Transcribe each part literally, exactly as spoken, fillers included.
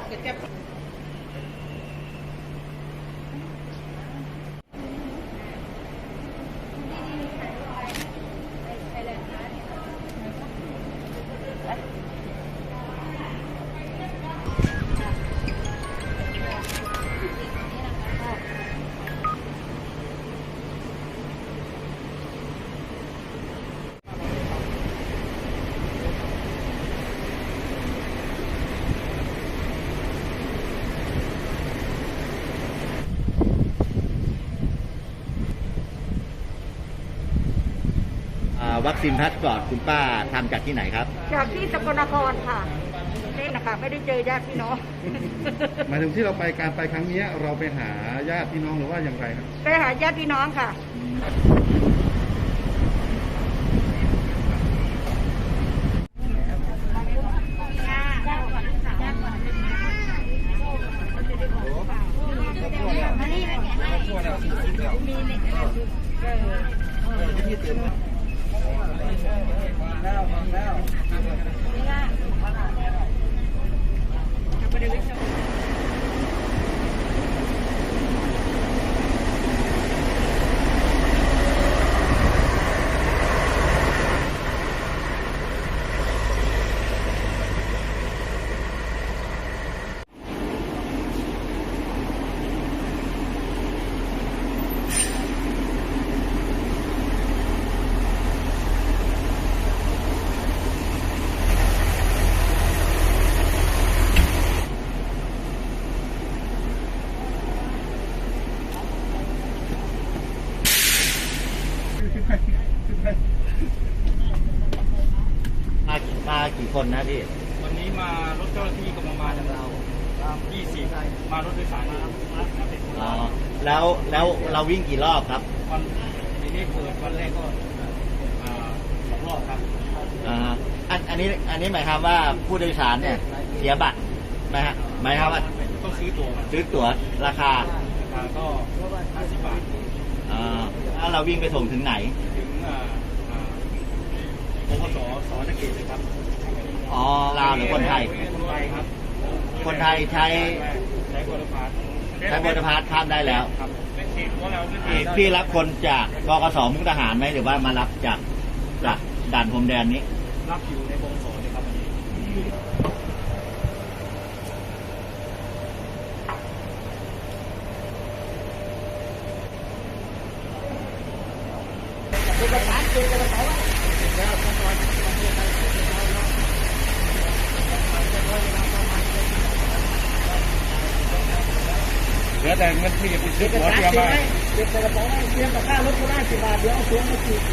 วัคซีนพาสปอร์ตคุณป้าทำจากที่ไหนครับจากที่สกลนครค่ะนี่นะคะไม่ได้เจอญาติพี่น้องหมายถึงที่เราไปการไปครั้งนี้เราไปหาญาติพี่น้องหรือว่าอย่างไรครับไปหาญาติพี่น้องค่ะแล้วแล้วมามากี่คนนะพี่วันนี้มารถเจ้าหน้าที่กำลังมาจากเรายี่สิบมารถโดยสารมาอ๋อแล้วแล้วเราวิ่งกี่รอบครับวันนี้เปิดวันแรกก็สองรอบครับอ่าอันอันนี้อันนี้หมายความว่าผู้โดยสารเนี่ยเสียบัตรไหมฮะหมายความว่าต้องซื้อตั๋วซื้อตั๋วราคาราคาก็ห้าสิบบาทอ่าแล้วเราวิ่งไปส่งถึงไหนถึงอ่าบกสสนเขตเลยครับอ๋อลาวหรือคนไทยคนไทยครับคนไทยใช้ใช้บริษัทใช้บริษัทข้ามได้แล้วพี่รับคนจากกกสมุกดาหารไหมหรือว่ามารับจากจากด่านพรมแดนนี้รับอยู่ในบกสเลยครับเอกสารเอกสารเหลือแต่เงินที่จะไปซื้อตั๋วเตรียมมาเก็บใส่กระเป๋าเตรียมกับค่ารถก็ได้สิบบาทเดี๋ยวเอาตั๋วมาฉีด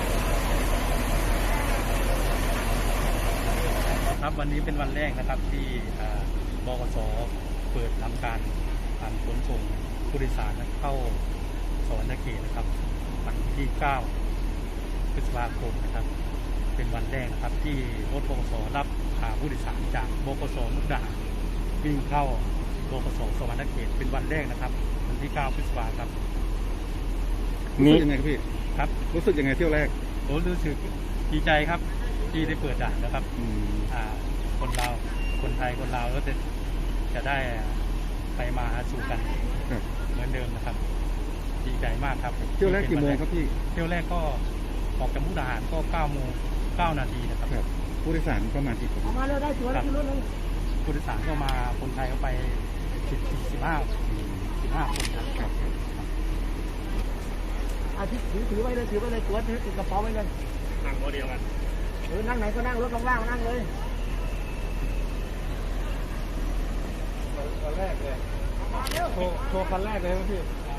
ครับวันนี้เป็นวันแรกนะครับที่บกสเปิดทำการการขนส่งผู้โดยสารเข้าสวรรณเขตนะครับวันที่เก้าพฤษภาคมนะครับเป็นวันแรกนะครับที่รถบกสรับพาผู้โดยสารจากบกสมุกดาหารวิ่งเข้าบกสสวรรณเขตเป็นวันแรกนะครับวันที่เก้าพฤษภาคมครับรู้สึกยังไงครับพี่ครับรู้สึกยังไงเที่ยวแรกผมรู้สึกดีใจครับที่ได้เปิดด่านนะครับอ่าคนเราคนไทยคนลาวก็จะจะได้ไปมาหาสู่กันเหมือนเดิมนะครับดีใจมากครับเที่ยวแรกกี่โมงครับพี่เที่ยวแรกก็ออกจากมุกดาหารก็เก้าโมงเก้านาทีนะครับผู้โดยสารประมาณกี่คนมาเลยได้ตั๋วแล้วขึ้นรถเลยผู้โดยสารก็มาคนไทยก็ไปสิบสิบห้าสิบห้าคนครับอาทิตย์ถือถือไว้เลยถือไว้เลยตั๋วถือติดกระเป๋าไว้เลยนั่งโมเดลกันเออนั่งไหนก็นั่งรถว่างๆนั่งเลยคันแรกเลยโชว์โชว์คันแรกเลยครับพี่